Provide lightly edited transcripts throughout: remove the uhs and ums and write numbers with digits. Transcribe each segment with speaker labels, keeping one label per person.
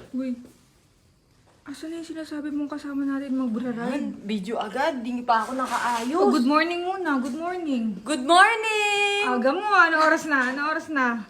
Speaker 1: Uy, asan na yung sinasabi mong kasama natin magra-ride?
Speaker 2: Video agad, di pa ako nakaayos.
Speaker 1: Oh, good morning muna, good morning.
Speaker 2: Good morning!
Speaker 1: Aga mo, ano oras na? Ano oras na?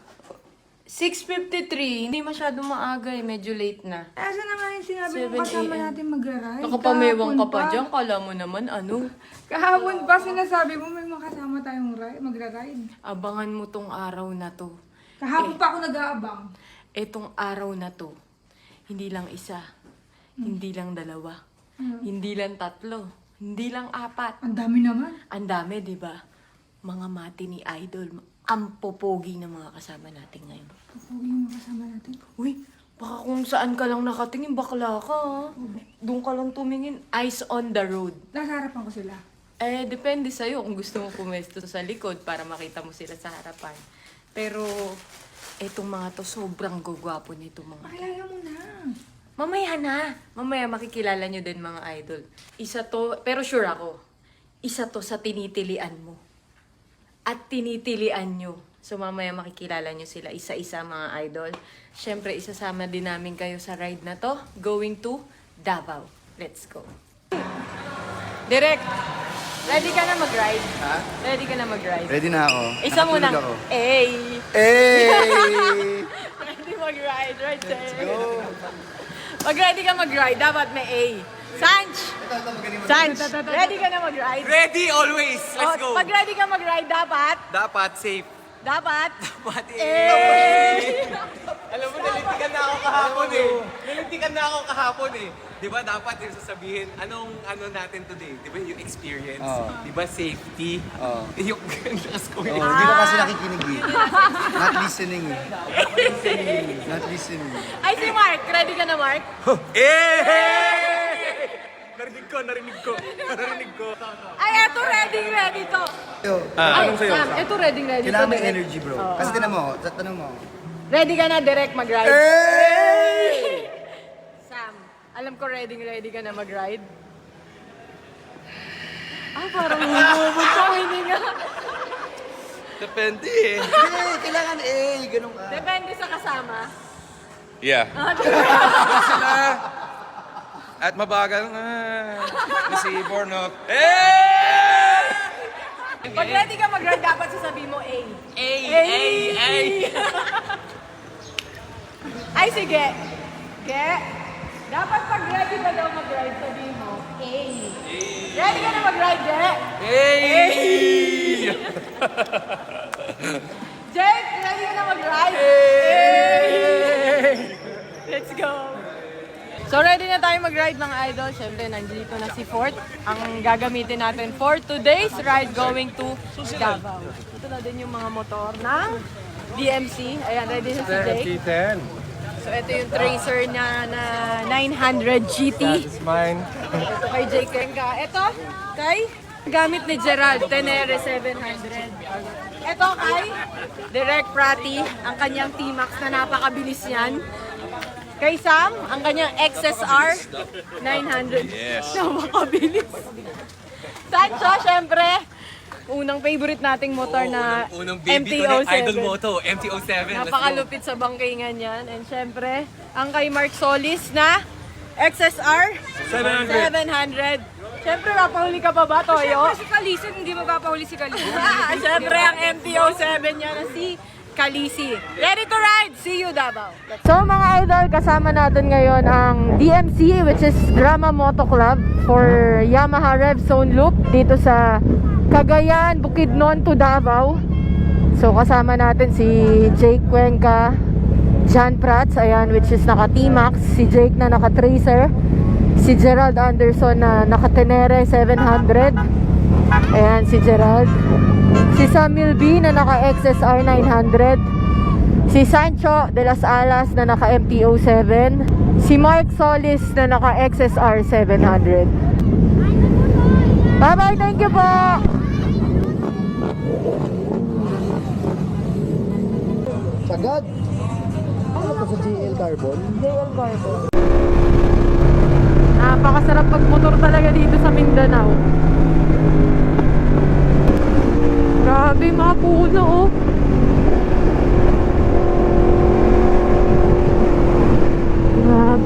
Speaker 2: 6:53. Hindi masyado maaga eh, medyo late na.
Speaker 1: Asan na nga yung sinabi
Speaker 2: 7
Speaker 1: mong kasama
Speaker 2: AM.
Speaker 1: natin magra-ride?
Speaker 2: Nakapamewang ka pa
Speaker 1: Kahapon
Speaker 2: dyan, kala mo naman ano.
Speaker 1: Kahapon pa sinasabi mo may makasama tayong magra-ride.
Speaker 2: Abangan mo tong araw na to.
Speaker 1: Kahapon pa ako nag-aabang.
Speaker 2: Etong araw na to, hindi lang isa, hindi lang dalawa, hindi lang tatlo, hindi lang apat.
Speaker 1: Ang dami naman.
Speaker 2: Ang dami, di ba? Mga mati ni Idol, ang popogi ng mga kasama natin ngayon.
Speaker 1: Popogi yung makasama natin.
Speaker 2: Uy, baka kung saan ka lang nakatingin, bakla ka ha? Doon ka lang tumingin, eyes on the road.
Speaker 1: Nasa harapan ko sila.
Speaker 2: Eh, depende sa'yo kung gusto mo pumesto sa likod para makita mo sila sa harapan. Pero, etong mga to, sobrang gugwapo nito mga.
Speaker 1: Pakilala mo na.
Speaker 2: Mamaya na. Mamaya makikilala nyo din mga idol. Isa to, pero sure ako, isa to sa tinitilian mo. At tinitilian nyo. So mamaya makikilala nyo sila isa-isa mga idol. Siyempre, isasama din namin kayo sa ride na to. Going to Davao. Let's go. Direk, ready ka na mag-ride?
Speaker 3: Ha?
Speaker 2: Ready ka na mag-ride?
Speaker 3: Ready na ako.
Speaker 2: Isa muna.
Speaker 3: Nakatulog ako.
Speaker 2: Hey!
Speaker 3: Hey!
Speaker 2: Ready mag-ride, right there.
Speaker 3: Let's go!
Speaker 2: Pag ready ka mag-ride, dapat may A. Sanch! Sanch! Ready ka na mag-ride?
Speaker 4: Ready always. Let's go.
Speaker 2: Pag ready ka mag-ride, dapat?
Speaker 4: Dapat safe.
Speaker 2: Dapat?
Speaker 4: Dapat
Speaker 2: Eh!
Speaker 4: Alam mo, nalintikan na ako kahapon eh. Nalintikan na ako kahapon eh. Di ba dapat yung sasabihin, anong ano natin today? Di ba yung experience?
Speaker 3: Oo.
Speaker 4: Di ba safety?
Speaker 3: Oo.
Speaker 4: Yung lakas ko
Speaker 3: Oh,
Speaker 4: eh.
Speaker 3: hindi ko kasi nakikinig eh. Not listening eh. Not listening.
Speaker 2: Ay, si Mark. Ready ka na, Mark?
Speaker 4: Eh! Narinig ko, narinig ko. Narinig ko.
Speaker 2: Ay, eto ready to.
Speaker 3: Yo,
Speaker 2: Ay, Sam, eto ready to.
Speaker 3: kailangan may
Speaker 2: direct.
Speaker 3: energy bro. Kasi tinan mo, tanong mo.
Speaker 2: Ready ka na, direct mag-ride?
Speaker 3: Hey!
Speaker 2: Sam, alam ko ready ka na mag-ride. Parang humubog sa hininga.
Speaker 4: Depende eh.
Speaker 3: Hindi, kailangan ganun ka.
Speaker 2: Depende sa kasama.
Speaker 4: Yeah. At mabagal nga. Si Bornok. Eh!
Speaker 2: Pag ready ka mag-ride, dapat sasabihin mo A.
Speaker 4: A,
Speaker 2: Ay, sige. Ge. Dapat pag ready ka daw mag-ride, sabihin mo A. Ready ka na mag-ride, Ge?
Speaker 4: Hey!
Speaker 2: Jake, ready ka na mag-ride? Let's go. So ready na tayo mag-ride mga idol. Siyempre, nandito na si Fort. Ang gagamitin natin for today's ride going to Davao. Ito na din yung mga motor ng DMC. Ayan, ready na si Jake. So ito yung Tracer niya na 900 GT.
Speaker 4: It's mine.
Speaker 2: Ito kay Jake Kenka. Ito kay gamit ni Gerald, Tenere 700. Ito kay Direct Prati, ang kanyang T-Max na napakabilis yan. Kay Sam, ang kanyang XSR 900.
Speaker 4: Yes.
Speaker 2: Napakabilis. Sancho, syempre, unang favorite nating motor na
Speaker 4: Unang baby ko ng
Speaker 2: MT-07.
Speaker 4: Idol Moto, MT-07. Let's go.
Speaker 2: Napakalupit sa bangkingan yan. And syempre, ang kay Mark Solis na XSR 700. Syempre, napahuli ka pa ba, Toyo?
Speaker 1: Si Kalisin, hindi magpapahuli si Kalisin.
Speaker 2: Syempre, ang MT-07 niya na si Kalisi. Ready to ride! See you, Davao! So mga idol, kasama natin ngayon ang DMC, which is Drama Moto Club for Yamaha Rev Zone Loop dito sa Cagayan, Bukidnon to Davao. So kasama natin si Jake Cuenca, John Prats, ayan, which is naka T-Max, si Jake na naka Tracer, si Gerald Anderson na naka Tenere 700, ayan si Gerald, si Samuel B na naka XSR 900, si Sancho de las Alas na naka MT-07, si Mark Solis na naka XSR 700. Bye bye, thank you po.
Speaker 3: Sagad. Ano to sa GL Carbon?
Speaker 2: JL Carbon. Napakasarap pagmotor talaga dito sa Mindanao. Grabe mga puno oh. Grabe.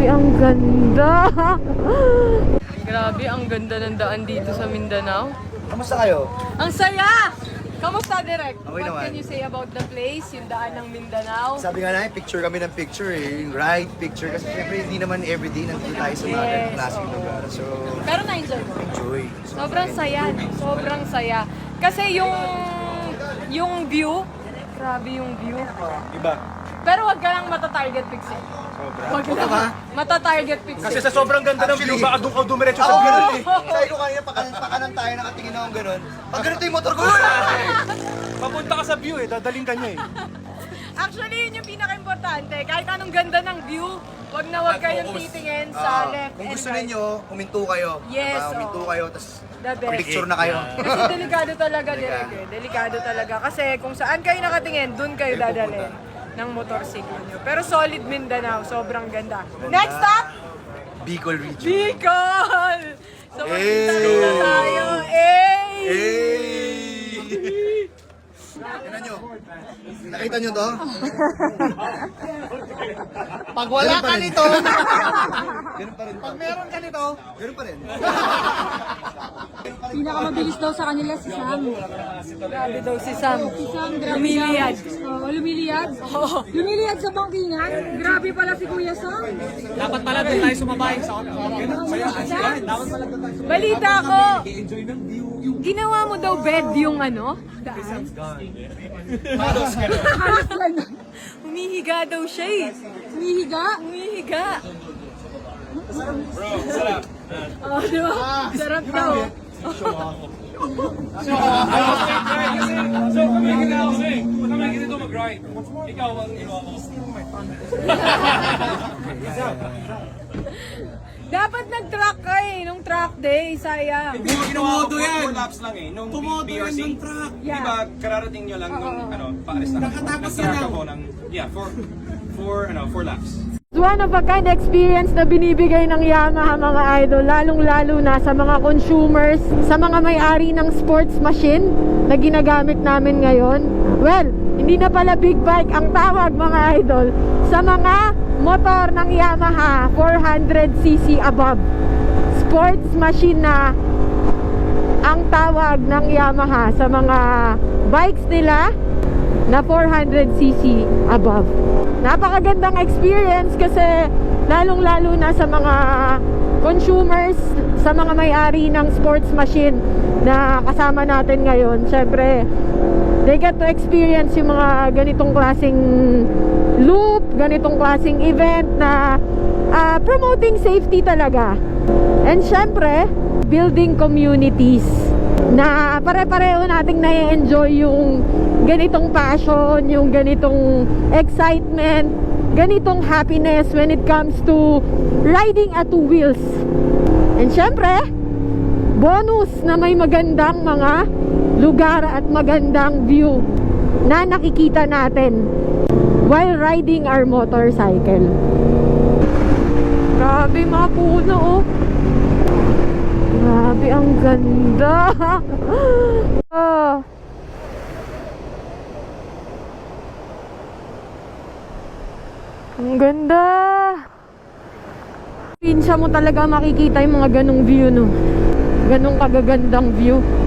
Speaker 2: ganda! Grabe, ang ganda ng daan dito sa Mindanao.
Speaker 3: Kamusta kayo?
Speaker 2: Ang saya! Kamusta, Direk?
Speaker 3: Okay
Speaker 2: What
Speaker 3: naman.
Speaker 2: can you say about the place, yung daan ng Mindanao?
Speaker 3: Sabi nga namin, picture kami ng picture eh. Yung ride, picture. Kasi syempre hindi naman everyday nandito tayo sa mga
Speaker 2: Yes,
Speaker 3: klaseng
Speaker 2: oo.
Speaker 3: lugar. So,
Speaker 2: Pero na-enjoy mo?
Speaker 3: enjoy.
Speaker 2: Sobrang saya. Sobrang saya. Kasi yung view, grabe yung view.
Speaker 3: Iba.
Speaker 2: Pero wag ka lang mata-target pixel. Wag ka lang mata-target pixel.
Speaker 5: Kasi sa sobrang ganda ng view,
Speaker 3: Actually,
Speaker 5: baka doon ka dumiretso sa
Speaker 3: Oo,
Speaker 5: view.
Speaker 3: ganun eh. Sabi ko kanina, pakanan tayo, nakatingin akong ganun. Pag ganito yung motor ko,
Speaker 5: Papunta ka sa view eh, dadaling ka niya eh.
Speaker 2: Actually, yun yung pinaka-importante. Kahit anong ganda ng view, wag na wag kayong titingin sa left
Speaker 3: kung
Speaker 2: and
Speaker 3: gusto
Speaker 2: right.
Speaker 3: ninyo, huminto kayo.
Speaker 2: Yes,
Speaker 3: Diba? Huminto
Speaker 2: oo.
Speaker 3: kayo, tapos
Speaker 2: The best.
Speaker 3: picture na kayo.
Speaker 2: Kasi delikado talaga, Direk. Eh. Delikado talaga. Kasi kung saan kayo nakatingin, dun kayo dadalhin ng motorsiklo nyo. Pero solid Mindanao, sobrang ganda. Next stop,
Speaker 3: Bicol region.
Speaker 2: Bicol! So magkita
Speaker 3: Hey!
Speaker 2: na tayo. Hey!
Speaker 3: Hey! Tignan nyo. Nakita nyo to? Pag wala ka nito, ganun pa rin. Pag meron ka nito, ganun pa rin.
Speaker 1: Pinakamabilis daw sa kanila si Sam.
Speaker 2: Grabe daw si Sam.
Speaker 1: Si Sam, grabe
Speaker 2: Lumiliyad.
Speaker 1: daw. Lumiliyad? Lumiliyad sa bangkingan? Grabe pala si Kuya Sam.
Speaker 5: Dapat pala doon tayo sumabay sa
Speaker 2: Balita ko, ginawa mo daw bed yung ano? Daan?
Speaker 1: Halos lang.
Speaker 2: Humihiga daw siya eh.
Speaker 1: Humihiga?
Speaker 2: Humihiga. Oh, di ba? Sarap daw.
Speaker 5: So kami ginawa ko eh. Kami ganito mag-ride. Ikaw ang ginawa ko.
Speaker 2: Dapat nag-track ka eh, nung track day, sayang.
Speaker 5: Tumodo yan. 4 laps lang eh. Nung BRC.
Speaker 2: Yeah.
Speaker 5: Diba, kararating nyo lang nung paalis na. Nakatapos yan ako ng, yeah, 4 laps.
Speaker 2: It's one of a kind experience na binibigay ng Yamaha mga idol, lalong-lalo na sa mga consumers, sa mga may-ari ng sports machine na ginagamit namin ngayon. Well, hindi na pala big bike ang tawag mga idol sa mga motor ng Yamaha 400cc above. Sports machine na ang tawag ng Yamaha sa mga bikes nila na 400cc above. Napakagandang experience kasi lalong-lalo na sa mga consumers, sa mga may-ari ng sports machine na kasama natin ngayon. Siyempre, they get to experience yung mga ganitong klaseng loop, ganitong klaseng event na promoting safety talaga. And siyempre, building communities na pare-pareho nating na-enjoy yung ganitong passion, yung ganitong excitement, ganitong happiness when it comes to riding at two wheels. And syempre, bonus na may magandang mga lugar at magandang view na nakikita natin while riding our motorcycle. Grabe mga puno oh. Grabe, ang ganda. Ah. Ang ganda. Pinsa mo talaga makikita yung mga ganong view, no? Ganong kagagandang view.